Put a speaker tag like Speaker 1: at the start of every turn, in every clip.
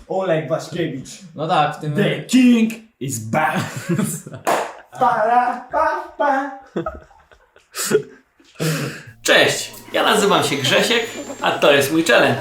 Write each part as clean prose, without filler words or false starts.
Speaker 1: Oleg Waszkiewicz.
Speaker 2: No tak, w tym...
Speaker 1: The king is back. Para, pa, pa.
Speaker 3: Cześć, ja nazywam się Grzesiek, a to jest mój challenge.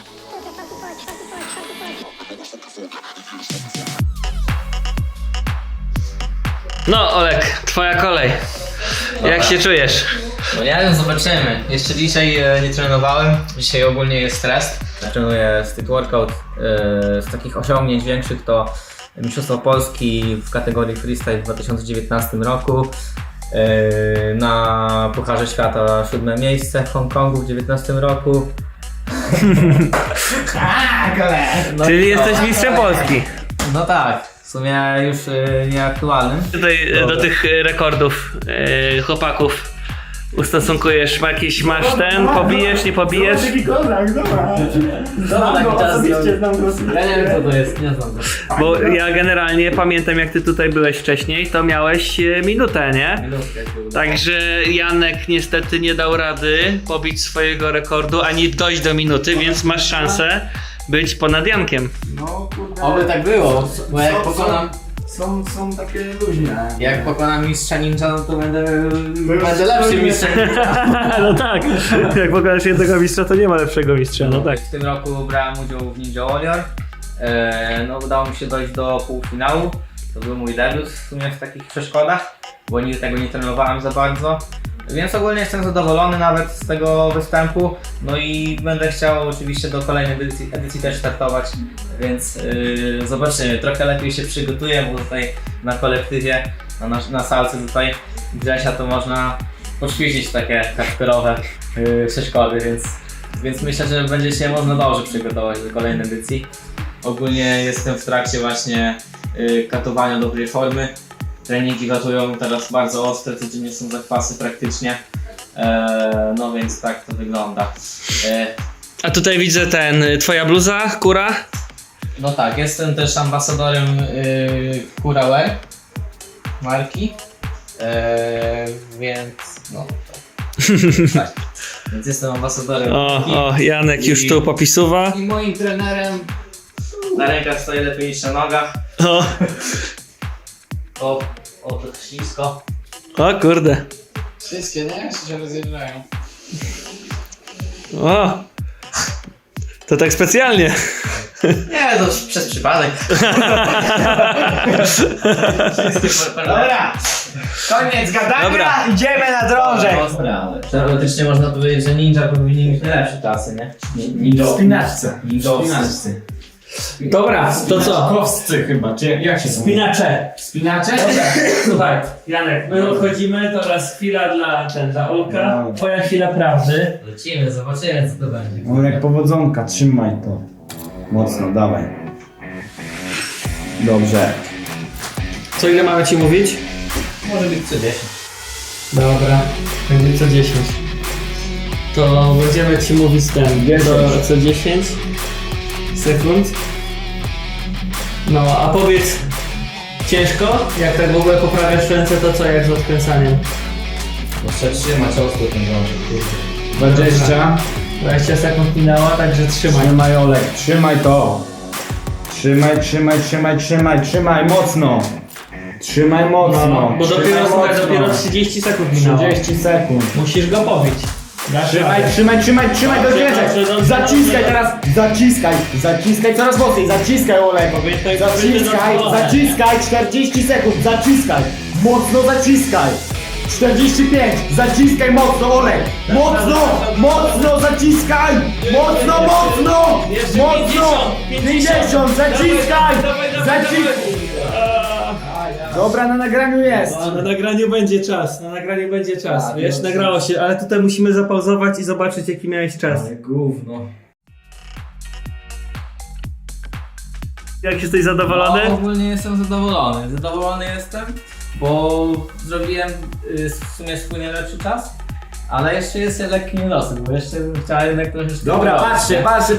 Speaker 3: No Olek, twoja kolej. Jak się czujesz?
Speaker 2: No nie wiem, zobaczymy. Jeszcze dzisiaj nie trenowałem. Dzisiaj ogólnie jest stres. Trenuję street workout. Z takich osiągnięć większych to Mistrzostwo Polski w kategorii freestyle w 2019 roku. Na Pucharze Świata 7 miejsce w Hongkongu w 2019 roku. No
Speaker 3: Czyli
Speaker 2: i co?
Speaker 3: jesteś mistrzem Polski.
Speaker 2: No tak, w sumie już nieaktualnym.
Speaker 3: Tutaj do tych rekordów chłopaków ustosunkujesz, masz ten, pobijesz, nie pobijesz?
Speaker 1: Zobacz jaki kozak, zobacz.
Speaker 2: taki
Speaker 1: go,
Speaker 2: czas
Speaker 1: osobiście znam go.
Speaker 2: Ja nie wiem co to jest, nie znam go.
Speaker 3: Bo ja generalnie pamiętam, jak ty tutaj byłeś wcześniej, to miałeś minutę, nie? Także Janek niestety nie dał rady pobić swojego rekordu, ani dojść do minuty, więc masz szansę być ponad Jankiem.
Speaker 1: No kurde.
Speaker 2: Oby tak było, bo jak pokonam...
Speaker 1: Są takie luźne.
Speaker 2: Jak pokonam mistrza ninja, no to będę lepszym mistrzem.
Speaker 3: No tak, jak pokonasz jednego mistrza, to nie ma lepszego mistrza, no tak.
Speaker 2: W tym roku brałem udział w Ninja Warrior. No udało mi się dojść do półfinału. To był mój debiut w sumie w takich przeszkodach, bo nigdy tego nie trenowałem za bardzo. Więc ogólnie jestem zadowolony nawet z tego występu. No i będę chciał oczywiście do kolejnej edycji też startować, więc zobaczymy. Trochę lepiej się przygotuję, bo tutaj na kolektywie, na salce tutaj Grzesia to można poćwiczyć takie hardkorowe przeszkody, więc myślę, że będzie się można dobrze przygotować do kolejnej edycji. Ogólnie jestem w trakcie właśnie katowania dobrej formy. Treningi katują teraz bardzo ostre, codziennie są zakwasy praktycznie. No więc tak to wygląda.
Speaker 3: A tutaj widzę twoja bluza, Kura.
Speaker 2: No tak, jestem też ambasadorem Kura Wear marki. Więc no tak. Więc jestem ambasadorem marki.
Speaker 3: O, Janek już tu popisuwa.
Speaker 2: I moim trenerem na rękach stoi lepiej niż na nogach. O, to ślisko.
Speaker 3: O kurde.
Speaker 2: Wszystkie, nie? Się rozjeżdżają.
Speaker 3: O. To tak specjalnie.
Speaker 2: Nie, to przez przypadek.
Speaker 1: Dobra, koniec gadania,
Speaker 3: Dobra.
Speaker 1: idziemy na drążek.
Speaker 2: Teoretycznie można powiedzieć, że ninja powinni mieć najlepsze czasy, nie?
Speaker 1: W spinaczce.
Speaker 2: Ninjowscy.
Speaker 3: Dobra, to co?
Speaker 1: Kowscy chyba, czy jak się
Speaker 3: Spinacze.
Speaker 1: Spinacze?
Speaker 3: Słuchaj, Janek, my odchodzimy, teraz chwila dla Olka.
Speaker 1: No.
Speaker 3: Twoja chwila prawdy.
Speaker 2: Lecimy, zobaczymy co to będzie.
Speaker 1: Olek powodzonka, trzymaj to. Mocno, dawaj. Dobrze.
Speaker 3: Co ile mamy ci mówić?
Speaker 2: Może być co 10.
Speaker 3: Dobra, będzie co 10. To będziemy ci mówić co 10 sekund. No, a powiedz, ciężko? Jak tak w ogóle poprawiasz ręce, to co, jak z odkręcaniem?
Speaker 2: Muszę trzymać ostro ten drążek.
Speaker 1: 20.
Speaker 3: 20 sekund minęła, także trzymaj.
Speaker 1: Trzymaj Olek, trzymaj to. Trzymaj mocno. Trzymaj mocno.
Speaker 3: No, bo
Speaker 1: Trzymaj
Speaker 3: dopiero, słuchaj,
Speaker 1: mocno.
Speaker 3: dopiero 30 sekund minęło.
Speaker 1: 30 sekund.
Speaker 3: Musisz go pobić. Dasz radę.
Speaker 1: Trzymaj do zwierzę.
Speaker 3: dobrze.
Speaker 1: Zaciskaj teraz. Zaciskaj coraz mocniej. Zaciskaj Olek. Zaciskaj 40 sekund. Zaciskaj. Mocno zaciskaj. 45. Zaciskaj mocno Olek. Mocno zaciskaj. Mocno. 50. Zaciskaj. Dobra, na nagraniu jest.
Speaker 3: Na nagraniu będzie czas, Wiesz, nagrało się, ale tutaj musimy zapauzować i zobaczyć jaki miałeś czas.
Speaker 2: Gówno.
Speaker 3: Jak jesteś zadowolony?
Speaker 2: No, ogólnie jestem zadowolony. Zadowolony jestem, bo zrobiłem w sumie swój najlepszy czas. Ale jeszcze jest lekki niedosyt, bo jeszcze bym chciał jednak troszeczkę...
Speaker 1: Dobra, patrzcie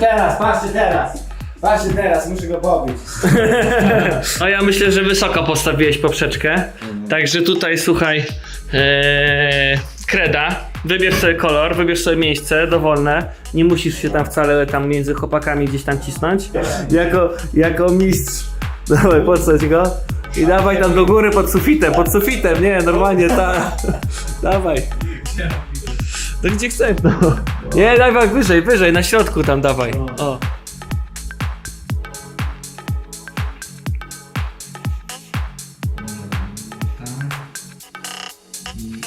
Speaker 1: teraz, muszę go pobić.
Speaker 3: No ja myślę, że wysoko postawiłeś poprzeczkę. Także tutaj słuchaj, kreda Wybierz sobie kolor, wybierz sobie miejsce dowolne. Nie musisz się tam wcale tam między chłopakami gdzieś tam cisnąć. Jako mistrz. Dawaj, podsadź go. I dawaj tam do góry pod sufitem, nie, normalnie dawaj. To gdzie chcesz, no. Nie, dawaj wyżej, na środku tam dawaj. O.
Speaker 2: I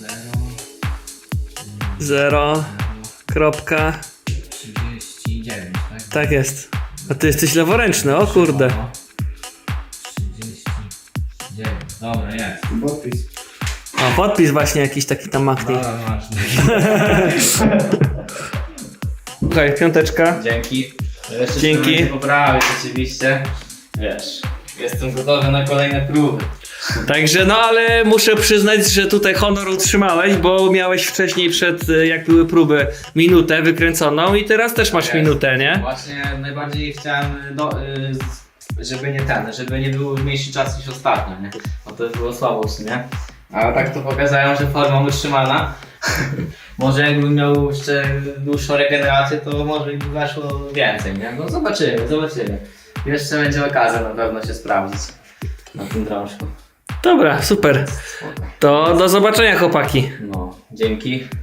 Speaker 3: 0. Kropka.
Speaker 2: 39, tak?
Speaker 3: Tak jest. A ty jesteś leworęczny, o kurde.
Speaker 2: 39. Dobra, jest.
Speaker 1: Podpis.
Speaker 3: O, podpis właśnie jakiś taki tam maknij.
Speaker 2: Dobra, masz.
Speaker 3: Okej, 5.
Speaker 2: Dzięki. Jeszcze
Speaker 3: Dzięki.
Speaker 2: się poprawić oczywiście. Wiesz, jestem gotowy na kolejne próby.
Speaker 3: Także no, ale muszę przyznać, że tutaj honor utrzymałeś, bo miałeś wcześniej jak były próby, minutę wykręconą i teraz też masz minutę, nie?
Speaker 2: Właśnie najbardziej chciałem, żeby nie był mniejszy czas niż ostatnio, nie? Bo to było słabo w sumie. A tak to pokazałem, że forma utrzymana. Może jakbym miał jeszcze dłuższą regenerację, to może by weszło więcej, nie? No zobaczymy. Jeszcze będzie okazja na pewno się sprawdzić na tym drążku.
Speaker 3: Dobra, super. To do zobaczenia, chłopaki.
Speaker 2: No, dzięki.